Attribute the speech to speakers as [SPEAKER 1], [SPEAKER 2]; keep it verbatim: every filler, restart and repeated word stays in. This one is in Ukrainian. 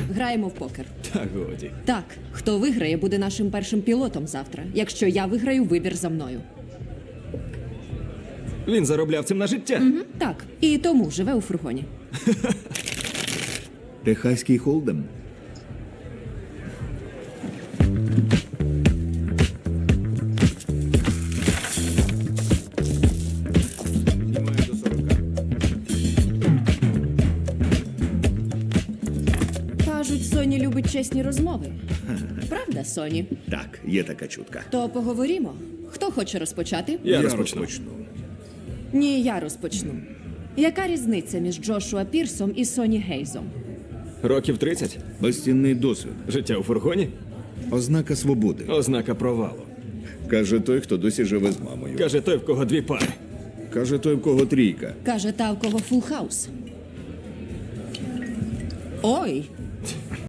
[SPEAKER 1] Граємо в покер.
[SPEAKER 2] Та годі.
[SPEAKER 1] Так, хто виграє, буде нашим першим пілотом завтра. Якщо я виграю, вибір за мною.
[SPEAKER 2] Він заробляв цим на життя.
[SPEAKER 1] Мгм, так, і тому живе у фургоні.
[SPEAKER 3] Техаський холдем.
[SPEAKER 1] Кажуть, Соні любить чесні розмови. Правда, Соні?
[SPEAKER 3] Так, є така чутка.
[SPEAKER 1] То поговоримо. Хто хоче розпочати?
[SPEAKER 2] Я розпочну.
[SPEAKER 1] Ні, я розпочну. Яка різниця між Джошуа Пірсом і Соні Гейзом?
[SPEAKER 2] Років тридцять.
[SPEAKER 3] Безцінний досвід.
[SPEAKER 2] Життя у фургоні.
[SPEAKER 3] Ознака свободи.
[SPEAKER 2] Ознака провалу.
[SPEAKER 3] Каже той, хто досі живе з мамою.
[SPEAKER 2] Каже той, в кого дві пари.
[SPEAKER 3] Каже той, в кого трійка.
[SPEAKER 1] Каже та, в кого фул хаус. Ой,